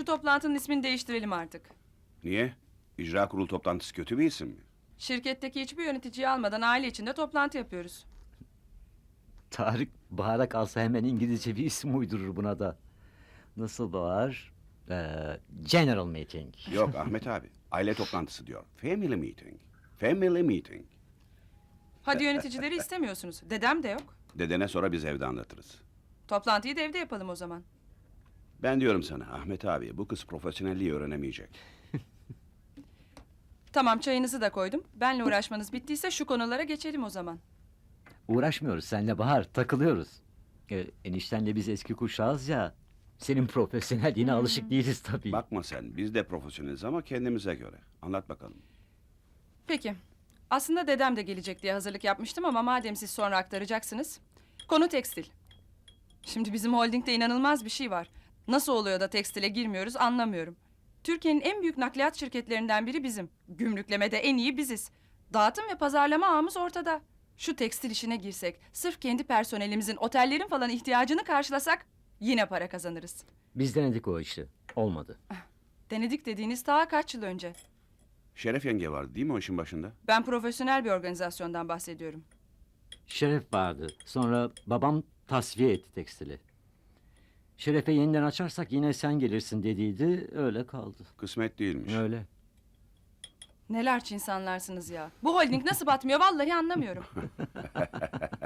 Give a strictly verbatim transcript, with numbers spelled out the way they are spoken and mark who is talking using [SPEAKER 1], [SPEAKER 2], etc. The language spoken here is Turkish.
[SPEAKER 1] Şu toplantının ismini değiştirelim artık.
[SPEAKER 2] Niye? İcra kurulu toplantısı kötü bir isim mi?
[SPEAKER 1] Şirketteki hiçbir yöneticiyi almadan aile içinde toplantı yapıyoruz.
[SPEAKER 3] Tarık Bahar'a kalsa hemen İngilizce bir isim uydurur buna da. Nasıl Bahar? Ee, General Meeting.
[SPEAKER 2] Yok Ahmet abi. Aile toplantısı diyor. Family meeting. Family meeting.
[SPEAKER 1] Hadi yöneticileri istemiyorsunuz. Dedem de yok.
[SPEAKER 2] Dedene sonra biz evde anlatırız.
[SPEAKER 1] Toplantıyı da evde yapalım o zaman.
[SPEAKER 2] Ben diyorum sana Ahmet abi bu kız profesyonelliği öğrenemeyecek.
[SPEAKER 1] Tamam, çayınızı da koydum. Benle uğraşmanız bittiyse şu konulara geçelim o zaman.
[SPEAKER 3] Uğraşmıyoruz seninle Bahar, takılıyoruz. Ee, eniştenle biz eski kuşağız ya. Senin profesyonelliğine alışık değiliz tabii.
[SPEAKER 2] Bakma sen biz de profesyoneliz ama kendimize göre. Anlat bakalım.
[SPEAKER 1] Peki. Aslında dedem de gelecek diye hazırlık yapmıştım ama madem siz sonra aktaracaksınız. Konu tekstil. Şimdi bizim holdingde inanılmaz bir şey var. Nasıl oluyor da tekstile girmiyoruz anlamıyorum. Türkiye'nin en büyük nakliyat şirketlerinden biri bizim. Gümrüklemede en iyi biziz. Dağıtım ve pazarlama ağımız ortada. Şu tekstil işine girsek, sırf kendi personelimizin, otellerin falan ihtiyacını karşılasak yine para kazanırız.
[SPEAKER 3] Biz denedik o işi. Olmadı.
[SPEAKER 1] Denedik dediğiniz daha kaç yıl önce.
[SPEAKER 2] Şeref yenge vardı değil mi o işin başında?
[SPEAKER 1] Ben profesyonel bir organizasyondan bahsediyorum.
[SPEAKER 3] Şeref vardı. Sonra babam tasfiye etti tekstili. Şeref'e yeniden açarsak yine sen gelirsin dediydi. Öyle kaldı.
[SPEAKER 2] Kısmet değilmiş.
[SPEAKER 3] Öyle.
[SPEAKER 1] Neler insanlarsınız ya. Bu holding nasıl batmıyor vallahi anlamıyorum.